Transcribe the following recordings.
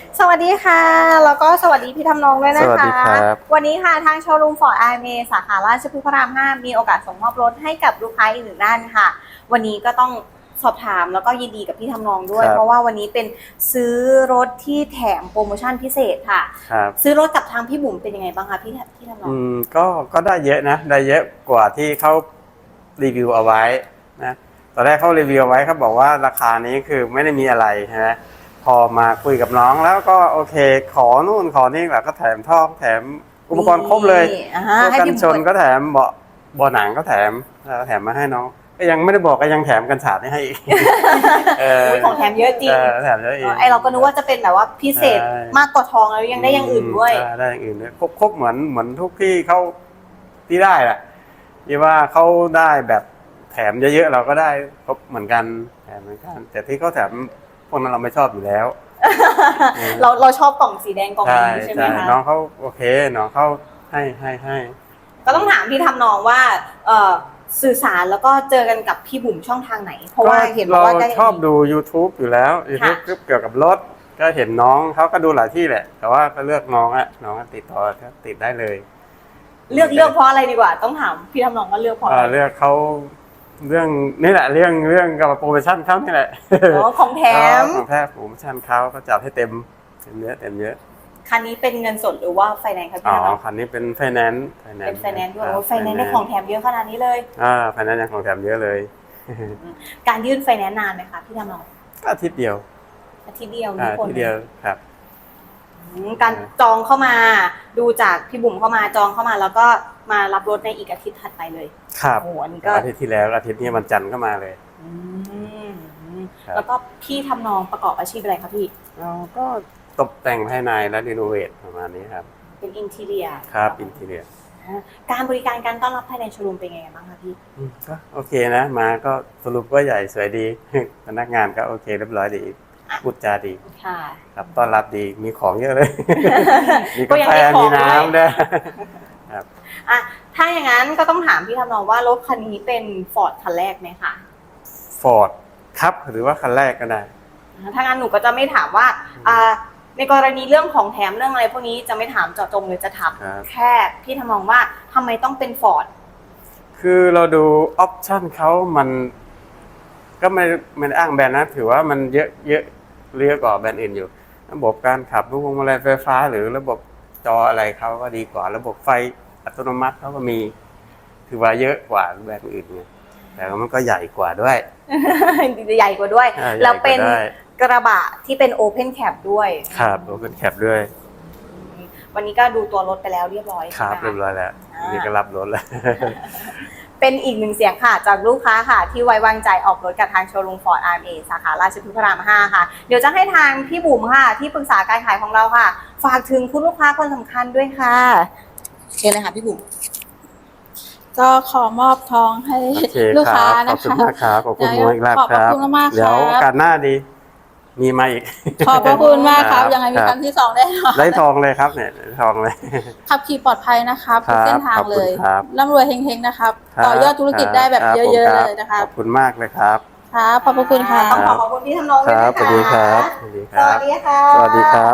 สวัสดีค่ะแล้วก็สวัสดีพี่ทำนองด้วยสนะคะวัสดีครับวันนี้ค่ะทางโชว์รูมฟอร์ดไอเมสาขาราชพฤกษ์พระราม5มีโอกาสส่งมอบรถให้กับลูกค้าอีกหนึ่งท่านค่ะวันนี้ก็ต้องสอบถามแล้วก็ยินดีกับพี่ทำนองด้วยเพราะว่าวันนี้เป็นซื้อรถที่แถมโปรโมชั่นพิเศษค่ะครับซื้อรถกับทางพี่บุ๋มเป็นยังไงบ้างคะพี่ทำนองก็ได้เยอะนะได้เยอะกว่าที่เขารีวิวเอาไว้นะตอนแรกเขารีวิวเอาไว้เขาบอกว่าราคานี้คือไม่ได้มีอะไรใช่ไหมพอมาคุยกับน้องแล้วก็โอเคขอนู่นขอนี่แหละก็แถมท่อแถมอุปกรณ์ครบเลยกันชนก็แถมเบาะหนังก็แถมมาให้น้องก็ยังไม่ได้บอกก็ยังแถมกันฉาดให้อีกของแถมเยอะจริงแถมเยอะอีกไอเราก็นึกว่าจะเป็นแบบว่าพิเศษมากกว่าทองแล้วยังได้อย่างอื่นด้วยได้อย่างอื่นด้วยครบเหมือนทุกที่เขาที่ได้แหละที่ว่าเขาได้แบบแถมเยอะๆเราก็ได้ครบเหมือนกันแถมเหมือนกันแต่ที่เขาแถมพวกนั้นเราไม่ชอบอยู่แล้วเราชอบกล่องสีแดงกล่องนี้ใช่ไหมคะน้องเขาโอเคน้องเขาให้ก็ต้องถามพี่ทำนองว่าสื่อสารแล้วก็เจอกันกับพี่บุ๋มช่องทางไหนเพราะว่าเห็นว่าเราชอบดู YouTube อยู่แล้ว YouTube เกี่ยวกับรถก็เห็นน้องเขาก็ดูหลายที่แหละแต่ว่าก็เลือกน้องติดต่อติดได้เลยเลือกเพราะอะไรดีกว่าต้องถามพี่ทำนองว่าเลือกเพราะอะไรเลือกเขาเรื่องนี่แหละเรื่องกับโปรโมชั่นเขานี่แหละของแถมโปรโมชั่นเขาก็จัดให้เต็มเยอะคันนี้เป็นเงินสดหรือว่าไฟแนนซ์ครับพี่ทำนองคันนี้เป็นไฟแนนซ์เป็นไฟแนนซ์ด้วยไฟแนนซ์ได้ของแถมเยอะขนาดนี้เลยไฟแนนซ์ยังของแถมเยอะเลยการยื่นไฟแนนซ์นานไหมคะพี่ทำนองอาทิตย์เดียวนี่คนเดียวครับการจองเข้ามาดูจากพี่บุ๋มเข้ามาจองเข้ามาแล้วก็มารับรถในอีกอาทิตย์ถัดไปเลยครับอันนี้ก็อาทิตย์ที่แล้วอาทิตย์นี้วันจันทร์ก็มาเลยแล้วก็พี่ทำนองประกอบอาชีพอะไรคะพี่ก็ตกแต่งภายในและรีโนเวทประมาณนี้ครับเป็นอินทีเรียครับอินทีเรียการบริการการต้อนรับภายในโชว์รูมเป็นไงบ้างคะพี่ก็โอเคนะมาก็สรุปก็ใหญ่สวยดีพนักงานก็โอเคเรียบร้อยดีพูดจาดีครับต้อนรับดีมีของเยอะเลยมีกาแฟมีน้ำด้วยครับถ้าอย่างนั้นก็ต้องถามพี่ทำนองว่ารถคันนี้เป็นฟอร์ดคันแรกไหมคะฟอร์ดครับหรือว่าคันแรกก็ได้ถ้างั้นหนูก็จะไม่ถามว่าในกรณีเรื่องของแถมเรื่องอะไรพวกนี้จะไม่ถามเจาะจงเลยจะถามแค่พี่ทำนองว่าทำไมต้องเป็นฟอร์ดคือเราดูออปชั่นเขามันก็ไม่อ้างแบรนด์นะถือว่ามันเยอะกว่าแบรนด์อื่นอยู่ระบบการขับพวงมาลัยไฟฟ้าหรือระบบจออะไรเขาก็ดีกว่าระบบไฟอัตโนมัติเขาก็มีถือว่าเยอะกว่าแบรนด์อื่นไงแต่มันก็ใหญ่กว่าด้วยใหญ่กว่าด้วยแล้วเป็นกระบะที่เป็นโอเพนแคปด้วยครับโอเพนแคปด้วยวันนี้ก็ดูตัวรถไปแล้วเรียบร้อยครับเรียบร้อยแล้วนี่ก็รับรถแล้วเป็นอีกหนึ่งเสียงค่ะจากลูกค้าค่ะที่ไว้วางใจออกรถกับทางโชว์รูมฟอร์ดอาร์เอสาขาราชพฤกษ์พระราม5ค่ะเดี๋ยวจะให้ทางพี่บุ๋มค่ะที่ปรึกษาการขายของเราค่ะฝากถึงคุณลูกค้าคนสำคัญด้วยค่ะเชิญเลยค่ะพี่บุ๋มก็ขอมอบทองให้ลูกค้านะคะขอบคุณมากครับขอบคุณมากครับเดี๋ยวโอกาสหน้าดีมีมาอีกขอบพระคุณมากครับยังไงมีครั้งที่2ได้ได้ทองเลยครับเนี่ยทองเลยขับขี่ปลอดภัยนะครับทุกเส้นทางเลยร่ำรวยเฮงๆนะครับต่อยอดธุรกิจได้แบบเยอะๆเลยนะคะขอบคุณมากเลยครับครับขอบพระคุณค่ะต้องขอบคุณพี่ทำนองด้วยนะคะสวัสดีครับสวัสดีค่ะสวัสดีครับ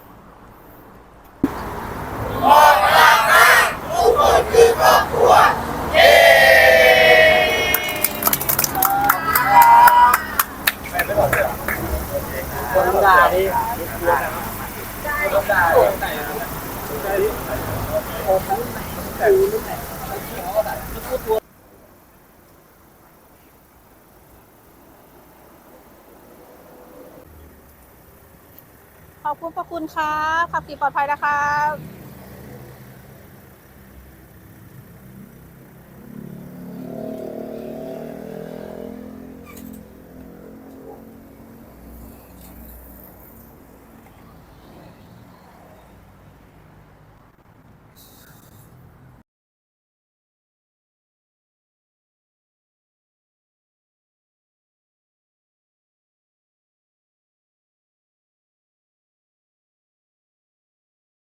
ทุกคนคือครอบครัวคนธรรมดาดิขอบคุณพระคุณครับขับขี่ปลอดภัยนะครับ